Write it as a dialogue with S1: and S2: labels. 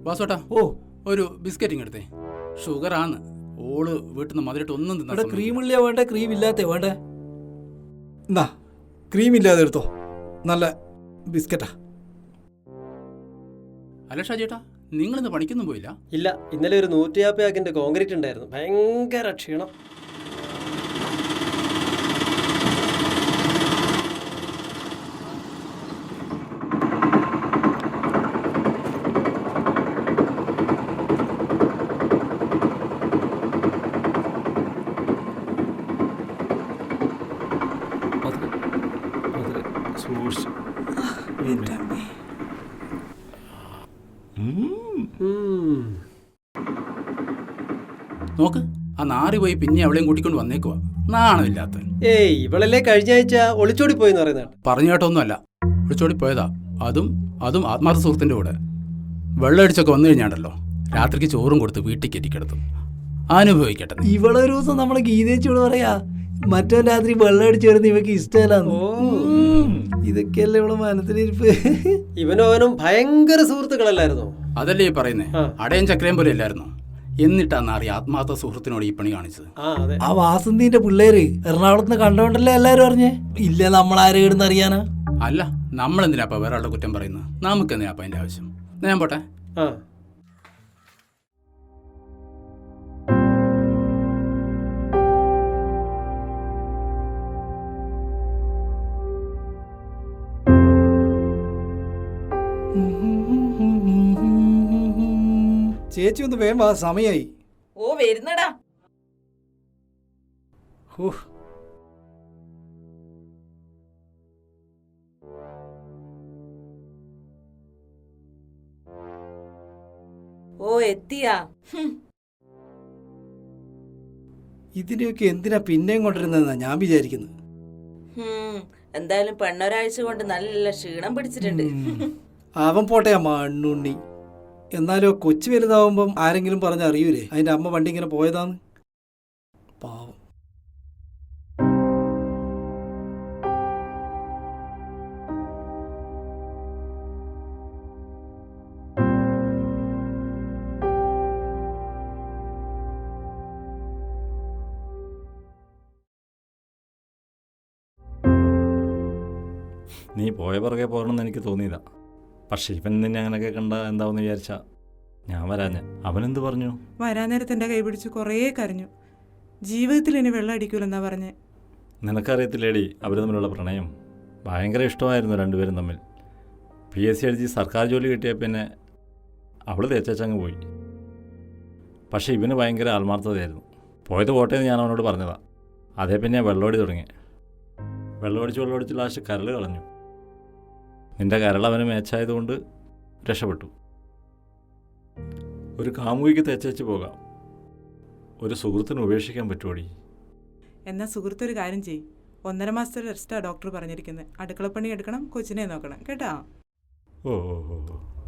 S1: വാസോട്ടാ,
S2: ഓ
S1: ഒരു ബിസ്ക്കറ്റിങ് എടുത്തേ. ഷുഗർ ആണ്. ഓള് വീട്ടിൽ നിന്ന് മധുരട്ട് ഒന്നും
S2: ഇവിടെ
S1: തിന്നാ
S2: ക്രീം ഇല്ല വേണ്ട, ക്രീം ഇല്ലാത്ത വേണ്ടേ? എന്നാ ക്രീം ഇല്ലാതെ എടുത്തോ, നല്ല ബിസ്ക്കറ്റാ.
S1: അല്ല ഷാജേട്ടാ, നിങ്ങളിന്ന് പണിക്കൊന്നും പോയില്ല?
S3: ഇല്ല, ഇന്നലെ ഒരു 150 ആക്കിന്റെ കോൺക്രീറ്റ് ഉണ്ടായിരുന്നു. ഭയങ്കര ക്ഷീണം.
S1: നോക്ക്, ആ നാറി പോയി പിന്നെ അവളെയും കൂട്ടിക്കൊണ്ട് വന്നേക്കുവാ. നാണമില്ലാത്ത.
S3: ഏയ്, ഇവളല്ലേ കഴിഞ്ഞ ആഴ്ച ഒളിച്ചോടി പോയിന്ന് പറയുന്നത്.
S1: പറഞ്ഞു കേട്ടൊന്നുമല്ല, വിളിച്ചോടി പോയതാ. അതും ആത്മാർത്ഥ സുഹൃത്തിൻ്റെ കൂടെ. വെള്ളം അടിച്ചൊക്കെ വന്നു കഴിഞ്ഞാണ്ടല്ലോ, രാത്രിക്ക് ചോറും കൊടുത്ത് വീട്ടിൽ കയറ്റിക്കിടത്തും. അനുഭവിക്കട്ടെ.
S2: ഇവളൊരു ദിവസം നമ്മളെ ഗീതേച്ചോട് പറയാ, മറ്റോ രാത്രി വെള്ളം അടിച്ചു വരുന്ന ഇവക്ക് ഇഷ്ടമല്ലാന്ന്. ഇതൊക്കെയല്ലേ ഇവിടെ മനസ്സിലിരിപ്പ്.
S3: ഇവനും അവനും ഭയങ്കര സുഹൃത്തുക്കളല്ലായിരുന്നോ?
S1: അതല്ലേ ഈ പറയുന്നേ, അടയും ചക്രയും പോലെ അല്ലായിരുന്നു. എന്നിട്ടാ നാറി ആത്മാർത്ഥ സുഹൃത്തിനോട് ഈ പണി കാണിച്ചത്.
S3: ആ
S2: വാസന്തിന്റെ പിള്ളേര് എറണാകുളത്ത് നിന്ന് കണ്ടോണ്ടല്ലേ എല്ലാരും അറിഞ്ഞേ. ഇല്ല, നമ്മളാരെ ഇടുന്ന് അറിയാനാ?
S1: അല്ല, നമ്മളെന്തിനാപ്പ വേറെ ആളുടെ കുറ്റം പറയുന്നത്? നമുക്കെന്തിനാപ്പ അതിന്റെ ആവശ്യം? ഞാൻ പോട്ടെ.
S2: ചേച്ചി ഒന്ന് വേഗം വാ, സമയായി.
S4: ഓ വരുന്നടാ. ഓ എത്തിയാ?
S2: ഇതിനെയൊക്കെ എന്തിനാ പിന്നെയും കൊണ്ടിരുന്നതെന്നാ ഞാൻ വിചാരിക്കുന്നത്.
S4: എന്തായാലും പെണ്ണൊരാഴ്ച കൊണ്ട് നല്ല ക്ഷീണം പിടിച്ചിട്ടുണ്ട്.
S2: അവൻ പോട്ടെ, മണ്ണുണ്ണി. എന്നാലോ കൊച്ചു വലുതാവുമ്പം ആരെങ്കിലും പറഞ്ഞറിയൂലേ അതിന്റെ അമ്മ വണ്ടി ഇങ്ങനെ പോയതാന്ന്? പാവം.
S5: നീ പോയ പുറകെ പോകണമെന്ന് എനിക്ക് തോന്നിയതാ. പക്ഷെ ഇവൻ നിന്നെ അങ്ങനെയൊക്കെ കണ്ട എന്താവെന്ന് വിചാരിച്ചാ ഞാൻ വരാഞ്ഞ. അവനെന്ത് പറഞ്ഞു?
S6: വരാൻ നേരത്തെ എൻ്റെ കൈ പിടിച്ച് കുറേ കരഞ്ഞു. ജീവിതത്തിൽ ഇനി വെള്ളം അടിക്കൂലെന്നാ പറഞ്ഞേ.
S5: നിനക്കറിയത്തില്ലേടി അവർ തമ്മിലുള്ള പ്രണയം? ഭയങ്കര ഇഷ്ടമായിരുന്നു രണ്ടുപേരും തമ്മിൽ. PSC എഴുതി സർക്കാർ ജോലി കിട്ടിയ പിന്നെ അവൾ തേച്ചങ്ങ് പോയി. പക്ഷേ ഇവന് ഭയങ്കര ആത്മാർത്ഥതയായിരുന്നു. പോയത് പോട്ടേന്ന് ഞാൻ അവനോട് പറഞ്ഞതാ. അതേ പിന്നെ വെള്ളമടി തുടങ്ങി. വെള്ളമടിച്ച് ലാസ്റ്റ് കരൾ കളഞ്ഞു. നിന്റെ കരൾ അവന് മേച്ചായതുകൊണ്ട് രക്ഷപ്പെട്ടു. ഒരു കാമുകിക്ക് തേച്ചു പോകാം, ഒരു സുഹൃത്തിന് ഉപേക്ഷിക്കാൻ പറ്റുമോടി?
S6: എന്നാൽ സുഹൃത്തൊരു കാര്യം ചെയ്യും, 1.5 മാസത്തെ റെസ്റ്റാണ് ഡോക്ടർ പറഞ്ഞിരിക്കുന്നത്. അടുക്കളപ്പണി എടുക്കണം, കൊച്ചിനെ നോക്കണം കേട്ടാ.
S5: ഓ ഓ ഓ